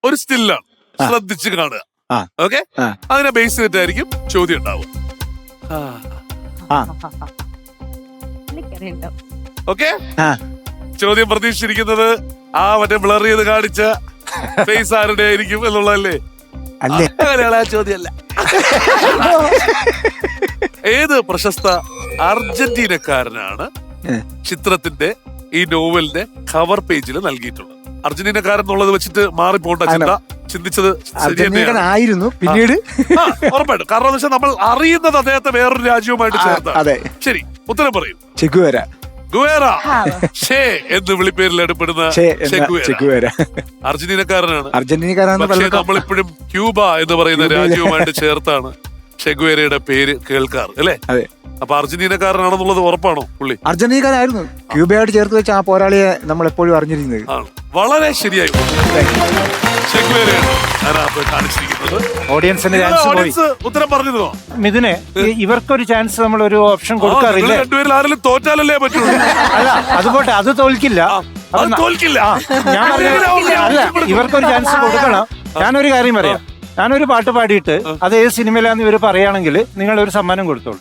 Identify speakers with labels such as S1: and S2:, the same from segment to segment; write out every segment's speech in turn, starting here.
S1: ഒരു സ്റ്റില്ലാണ്, ശ്രദ്ധിച്ച് കാണുക. ഓക്കെ, അതിനെ ബേസ് ചെയ്തിട്ടായിരിക്കും ചോദ്യം ഉണ്ടാവും. ഓക്കെ, ചോദ്യം പ്രതീക്ഷിച്ചിരിക്കുന്നത് ആ മറ്റേ ബ്ലർ ചെയ്ത് കാണിച്ച ഫേസ് ആരുടെ ആയിരിക്കും എന്നുള്ളതല്ലേ? അങ്ങനെയുള്ള ചോദ്യമല്ല. ഏത് പ്രശസ്ത അർജന്റീനക്കാരനാണ് ചിത്രത്തിന്റെ ഈ നോവലിന്റെ കവർ പേജിൽ നൽകിയിട്ടുള്ളത്? അർജന്റീനക്കാരൻ എന്നുള്ളത് വെച്ചിട്ട് മാറിപ്പോണ്ട ചിന്ത, ചിന്തിച്ചത്
S2: ആയിരുന്നു പിന്നീട്.
S1: ഉറപ്പായിട്ടും. കാരണം എന്ന് വെച്ചാൽ നമ്മൾ അറിയുന്നത് അദ്ദേഹത്തെ വേറൊരു രാജ്യവുമായിട്ട് ചേർത്താണ്. ശരി, ഉത്തരം പറയൂ.
S2: ചെഗുവേര.
S1: ഗുവേര ഷേ എന്ന് വിളിപ്പേരിൽ എടുപ്പെടുന്ന അർജന്റീനക്കാരനാണ്. പക്ഷേ നമ്മളിപ്പോഴും ക്യൂബ എന്ന് പറയുന്ന രാജ്യവുമായിട്ട് ചേർത്താണ് ഷെഗുവേരയുടെ പേര് കേൾക്കാറ്, അല്ലേ? അപ്പൊ അർജന്റീനക്കാരനാണെന്നുള്ളത് ഉറപ്പാണോ പുള്ളി?
S2: അർജന്റീനക്കാരായിരുന്നു. ക്യൂബയായിട്ട് ചേർത്ത് വെച്ച ആ പോരാളിയെ നമ്മൾ എപ്പോഴും അറിഞ്ഞിരുന്നത്.
S1: വളരെ ശരിയായി. ഓഡിയൻസ് ഉത്തരം പറഞ്ഞതോ?
S3: മിഥുനെ, ഇവർക്കൊരു ചാൻസ് നമ്മൾ ഒരു ഓപ്ഷൻ കൊടുക്കാറില്ല.
S1: രണ്ടുപേരിൽ ആരെങ്കിലും തോറ്റാലല്ലേ പറ്റുള്ളൂ.
S3: അല്ല, അതുപോട്ടെ, അത് തോൽക്കില്ല. അല്ല, ഇവർക്കൊരു ചാൻസ് കൊടുക്കണം. ഞാനൊരു കാര്യം പറയാം. ഞാനൊരു പാട്ട് പാടിയിട്ട് അത് ഏത് സിനിമയിലാന്ന് ഇവര് പറയുകയാണെങ്കിൽ നിങ്ങൾ ഒരു സമ്മാനം കൊടുത്തോളൂ.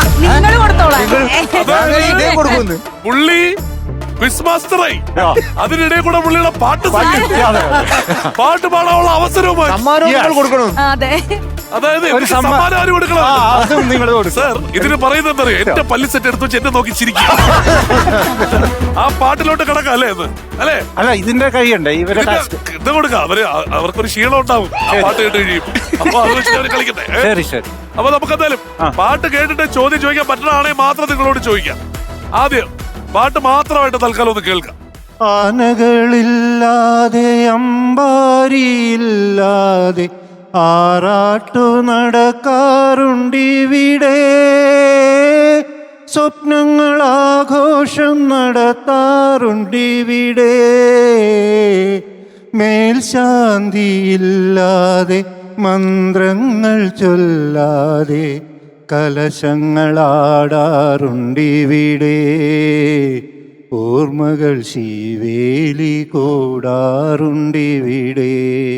S1: പുള്ളി ക്വിസ്മാസ്റ്ററായി, അതിനിടെ കൂടെ പുള്ളിയുടെ പാട്ട് പാടാനുള്ള അവസരവുമായി
S2: കൊടുക്കണം.
S1: അതായത് സമ്മാനം ആര് കൊടുക്കണം? സാർ, ഇതിന് പറയുന്നത് എന്താ അറിയോ? എന്റെ പല്ലി സെറ്റ് എടുത്ത് വെച്ച് എന്നെ നോക്കി ചിരിക്കും. ആ പാട്ടിലോട്ട് കിടക്കാം അല്ലേ എന്ന്? അല്ലേ?
S3: അല്ല, ഇതിന്റെ കഴിയണ്ടേ ഇവരെ
S1: ഇത് കൊടുക്കാം. അവർക്കൊരു ക്ഷീണം ഉണ്ടാവും ആ പാട്ട് കേട്ട് കഴിയും. അപ്പൊ അത് വെച്ച് അവർ കളിക്കട്ടെ. അപ്പൊ നമുക്ക് എന്തായാലും പാട്ട് കേട്ടിട്ട് ചോദ്യം ചോദിക്കാൻ പറ്റണാണെങ്കിൽ മാത്രം നിങ്ങളോട് ചോദിക്കാം. ആദ്യം പാട്ട് മാത്രമായിട്ട് തൽക്കാലം ഒന്ന് കേൾക്കാം.
S3: ആനകളില്ലാതെ അമ്പാരിയില്ലാതെ ആറാട്ടു നടക്കാറുണ്ടിവിടെ, സ്വപ്നങ്ങൾ ആഘോഷം നടത്താറുണ്ടിവിടെ, മേൽശാന്തിയില്ലാതെ മന്ത്രങ്ങൾ ചൊല്ലാതെ കലശങ്ങളാടാറുണ്ടിവിടെ, ഓർമ്മകൾ ശിവേലി കൂടാറുണ്ടിവിടെ.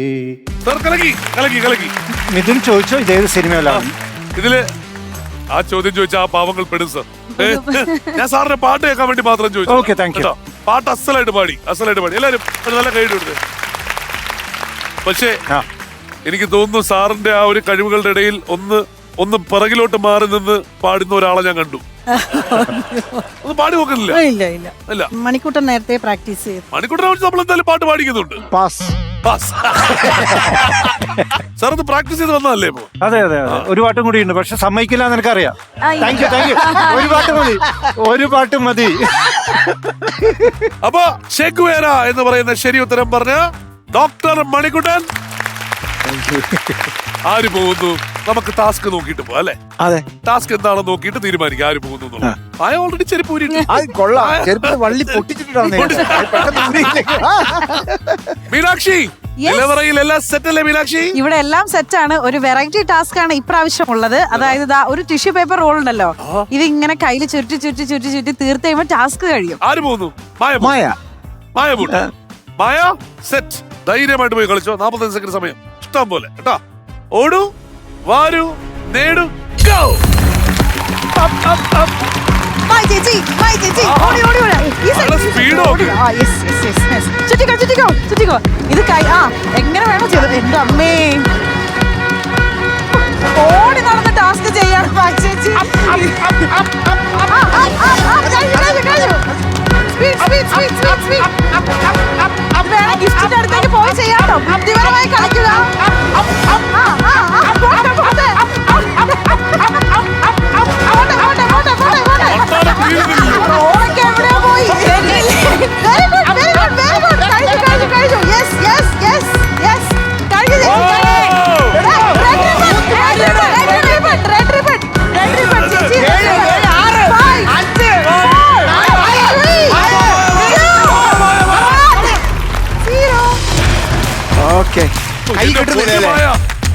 S3: മിഥുൻ ചോദിച്ചോ ഇതേത് സിനിമയിലാണ്?
S1: ഇതില് ആ ചോദ്യം ചോദിച്ച ആ പാവങ്ങൾ പെടും സർ. ഞാൻ സാറിന്റെ പാട്ട് കേൾക്കാൻ വേണ്ടി മാത്രം ചോദിച്ചു.
S3: Okay, thank you.
S1: പാട്ട് അസലായിട്ട് പാടി എല്ലാരും നല്ല കൈ കൊടുത്ത്. പക്ഷേ എനിക്ക് തോന്നുന്നു സാറിന്റെ ആ ഒരു കഴിവുകളുടെ ഇടയിൽ ഒന്ന് പിറകിലോട്ട് മാറി നിന്ന് പാടുന്ന ഒരാളെ ഞാൻ കണ്ടു. ഒന്ന് പാടി നോക്കുന്നില്ല?
S4: ഇല്ല. മണിക്കൂട്ടൻ നേരത്തെ പ്രാക്ടീസ് ചെയ്തു.
S1: മണിക്കൂട്ടനെ വെച്ച് നമ്മൾ എന്തായാലും പാട്ട് പാടിക്കുന്നുണ്ട്. സാർ ഒന്ന് പ്രാക്ടീസ് ചെയ്ത് വന്നതല്ലേ ഇപ്പൊ?
S3: അതെ, ഒരു പാട്ടും കൂടി ഉണ്ട്, പക്ഷെ സമ്മതിക്കില്ല എന്ന് എനിക്കറിയാം. Thank you. ഒരു പാട്ട് മതി.
S1: അപ്പൊ ഷെഗുവേര എന്ന് പറയുന്ന ശരി ഉത്തരം പറഞ്ഞ ഡോക്ടർ മണിക്കുട്ടൻ. ആര് പോകുന്നു? നമുക്ക് ടാസ്ക് നോക്കിയിട്ട് പോവാം, അല്ലെ?
S2: അതെ,
S1: ടാസ്ക് എന്താണെന്ന് നോക്കിയിട്ട് തീരുമാനിക്കാം ആര് പോകുന്നു. ഓൾറെഡി ചെരുപ്പ് മീനാക്ഷി, എല്ലാം സെറ്റ് അല്ലേ മീനാക്ഷി?
S4: ഇവിടെ എല്ലാം സെറ്റാണ്. ഒരു വെറൈറ്റി ടാസ്ക് ആണ് ഇപ്രാവശ്യം ഉള്ളത്. അതായത് ഒരു ടിഷ്യൂ പേപ്പർ റോൾ ഉണ്ടല്ലോ, ഇത് ഇങ്ങനെ കയ്യിൽ ചുരുട്ടി തീർത്ത് കഴിയുമ്പോൾ ടാസ്ക് കഴിയും.
S1: ആര് പോകുന്നു? മായ സെറ്റ്. ധൈര്യമായിട്ട് പോയി കളിച്ചോ. 45 സെക്കൻഡ് സമയം ഇഷ്ടം പോലെ കേട്ടാ. ഓടൂ, വാരൂ, നേടൂ, ഗോ.
S4: ഇത് എങ്ങനെ വേണം ചെയ്തത്? എന്റെ അമ്മേ, ഓടി നടന്ന് ടാസ്ക് ചെയ്യാണ് ചേച്ചി. ഗിഫ്റ്റിന്റെ അടുത്തേക്ക് പോയി ചെയ്യാട്ടോ. ബുദ്ധിപരമായി കളിക്കുക. എവിടെയോ പോയി.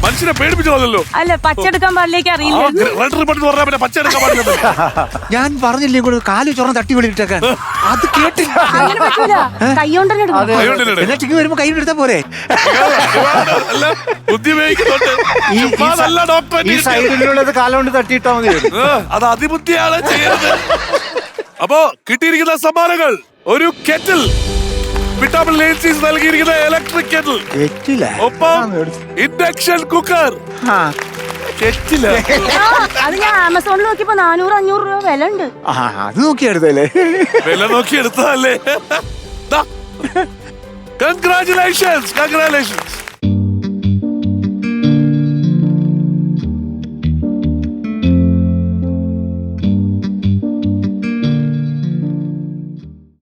S1: മനുഷ്യനെ പേടിപ്പിച്ചതല്ലോ.
S5: അല്ല പച്ചെടുക്കാൻ പാടിലേക്ക് അറിയില്ല.
S1: റെഡ് റിബൺ എന്ന് പറഞ്ഞാൽ പിന്നെ പച്ച എടുക്കാൻ പാടില്ല.
S2: ഞാൻ പറഞ്ഞില്ലേ കൂടെ കാല് ചൊറന്ന് തട്ടി വിളിട്ടേക്കാൻ, അത് കേട്ടില്ല.
S5: അങ്ങനെ പറ്റൂല, കൈകൊണ്ടന്നെ എടുക്കണം.
S2: എന്നാ ടിക്ക് വരുമ്പോ കൈ എടുത്താ പോരെ.
S1: അല്ല, ബുദ്ധി ഉപയോഗിക്കുന്നുണ്ട്. ചുമ്മാതല്ല ഡോക്ടറെ
S3: ഈ സൈഡിലുള്ളത് കാലുകൊണ്ട് തട്ടിയിട്ടാ മതി.
S1: അത് അതിബുദ്ധിയാണ് ചെയ്യുന്നത്. അപ്പോ കിട്ടിയിരിക്കുന്ന സമ്മാനങ്ങൾ ഒരു കെറ്റിൽ, വിറ്റാമിൻ ലേൻസീസ് നൽകിയിരിക്കുന്ന ഇലക്ട്രിക് കെറ്റിൽ,
S2: തെറ്റില്ല.
S1: ഒപ്പം ഇൻഡക്ഷൻ കുക്കർ. കെറ്റില്
S5: അത് ഞാൻ ആമസോണിൽ നോക്കിയപ്പോ 400-500 രൂപ വില ഉണ്ട്.
S2: അത് നോക്കിയെടുത്തല്ലേ,
S1: വില നോക്കി എടുത്തതല്ലേ. കൺഗ്രാറ്റുലേഷൻസ്.